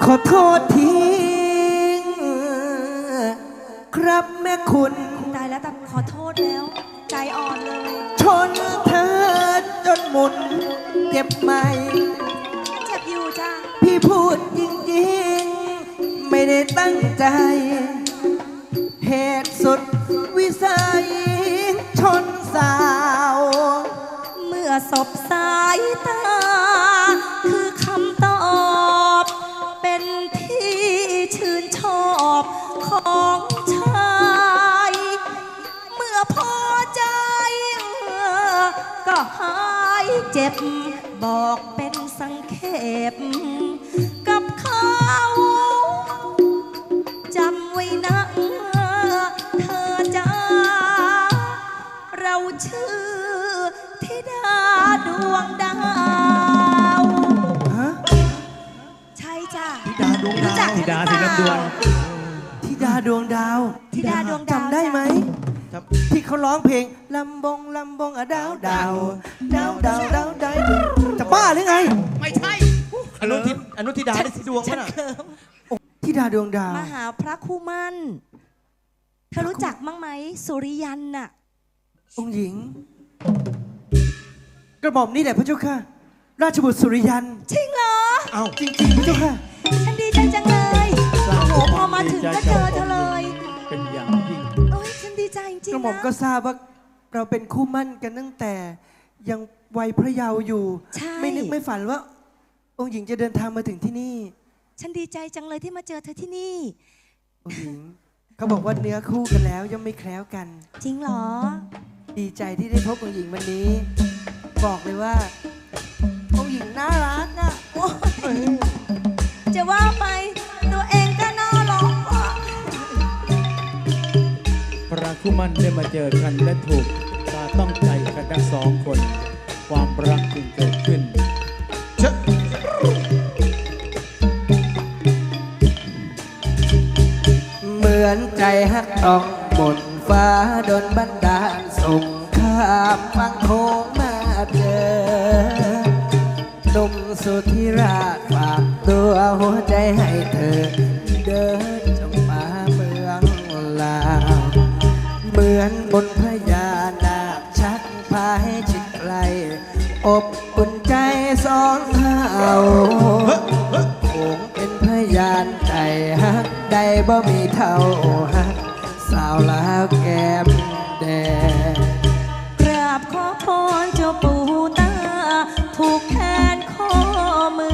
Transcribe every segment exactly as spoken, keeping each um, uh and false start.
อโทษทีครับแม่คุณตายแล้วแต่ขอโทษแล้วใจอ่อนเลยชนเธอจนหมุนเจ็บไหมเจ็บอยู่จ้าพี่พูดจริงๆไม่ได้ตั้งใจเหตุสุดวิสัยชนสาวเมื่อสบสายตาคือคำตอบเป็นที่ชื่นชอบของชายเมื่อพอใจก็หายเจ็บบอกเป็นสังเขปกับเขาจำไว้นะเธอจ้าเราชื่อธิดาดวงดาวใช่จ้าธิดาดวงดาวธิดาธิดาดวงธิดาดวงดาวธิดาดวงดาวจำได้ไหมที่เขาร้องเพลงลำบงลำบงอะดาวดาวดาวดาวดาวดาวจะบ้าหรือไงไม่ใช่อนุทิอนุธิดาได้สีดวงมั้ยน่ะธิดาดวงดาวมหาพระคู่มั่นเธอรู้จักมั้งไหมสุริยันน่ะองค์หญิงกระหม่อมนี่แหละพระเจ้าค่ะราชบุตรสุริยันจริงเหรอเอ้าจริงๆพระเจ้าค่ะฉันดีใจจังเลยโอ้โหพอมาถึงก็เจอเธอเลยเป็นอย่างยิ่งโอ้ยฉันดีใจจริงๆนะกระหม่อมก็ทราบว่าเราเป็นคู่มั่นกันตั้งแต่ยังวัยพระเยาว์อยู่ไม่นึกไม่ฝันว่าองค์หญิงจะเดินทางมาถึงที่นี่ฉันดีใจจังเลยที่มาเจอเธอที่นี่องค์หญิงเขาบอกว่าเนื้อคู่กันแล้วยังไม่แคล้วกันจริงเหรอดีใจที่ได้พบองค์หญิงวันนี้บอกเลยว่าองค์หญิงน่ารักอ่ะจะว่าไปตัวเองก็น่ารักอ่ะพระคู่มั่นได้มาเจอกันและถูกตาต้องใจกันทั้งสองคนความรักจึงเกิดขึ้นเชอะเหมือนใจฮักต้องบนฟ้าโดนบันดาลส่งข้ามฟังโค้งมาเจอหนุ่มสุดที่รักฝากตัวหัวใจให้เธอเดินจงมาเมืองลาวเหมือนบนพญานาคชักพาให้ชิดไกลอบอุ่นใจสองเฮาคงเป็นพยานใจฮักใดบ่มีเท่าฮักสาวลาวแก้มแดงกราบขอพรเจ้าปู่ตาผูกแขนข้อมื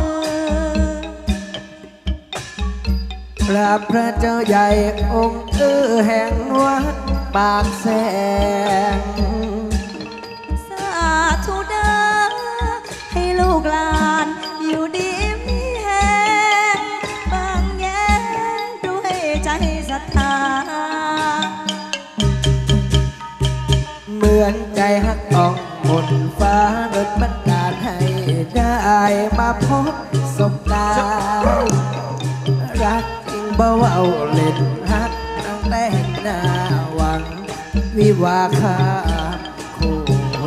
อกราบพระเจ้าใหญ่องค์เอื้อแห่งวัดปากแสงสาธุเด้อให้ลูกหลานอยู่ดีมีแห่งบางแย้งด้วยใจศรัทธาเหมือนใจฮักอ่องบนฟ้าโดนบันดาลให้ได้มาพบสบตารักจริงบ่เว้าเล่นฮักตั้งแต่เห็นหน้าหวังวิวาคาคู่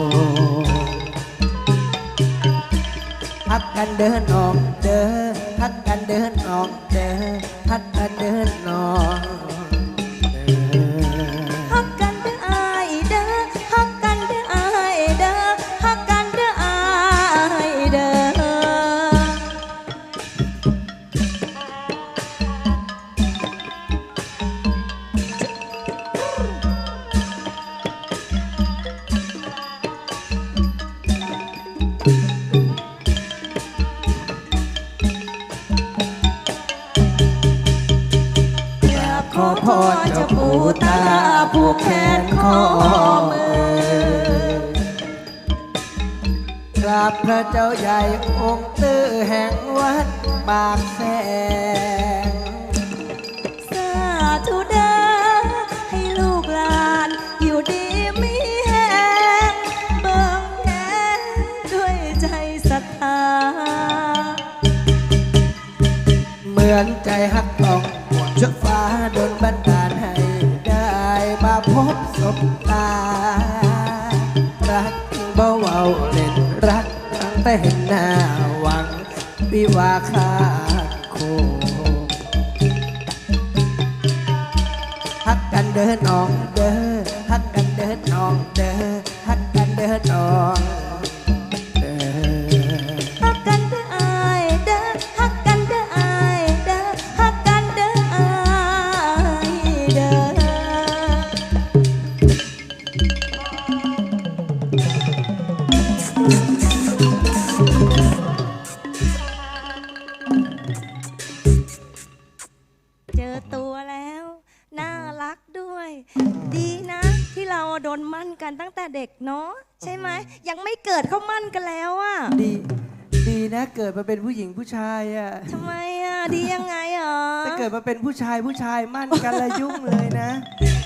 ฮักกันเดินออกเด้อฮักกันเดินออกเด้อฮักกันเดินออกฮักกันเด้ออายเด้อฮักกันเด้ออายเด้อฮักกันเด้ออายเด้อขอพรเจ้าปู่ตาผูกแขนข้อมือกราบพระเจ้าใหญ่องค์ตื้อแห่งวัดปากแสงสาธุเด้อให้ลูกหลานอยู่ดีมีแห่งเบิ่งแย้งด้วยใจศรัทธาเหมือนใจฮักต้องเชือกฟ้าโดนบันดาลให้ได้มาพบสบตารักจริงบ่เว้าเล่นรักตั้งแต่เห็นหน้าหวังวิวาคาคู่เดินน้องเด้อฮักกันเดินน้องเด้อฮักกันเดินน้องเด้อฮักกันเด้ออายเด้อฮักกันเด้ออายเด้อฮักกันเด้ออายเด้อเจอตัวแล้ว น่ารักด้วย ดีนะที่เราโดนมั่นกันตั้งแต่เด็กเนาะใช่ไหมยังไม่เกิดเขามั่นกันแล้วอะดีดีนะเกิดมาเป็นผู้หญิงผู้ชายอ่ะทำไมอะดียังไงอ่ะถ้าเกิดมาเป็นผู้ชายผู้ชายมั่นกันละยุ่งเลยนะ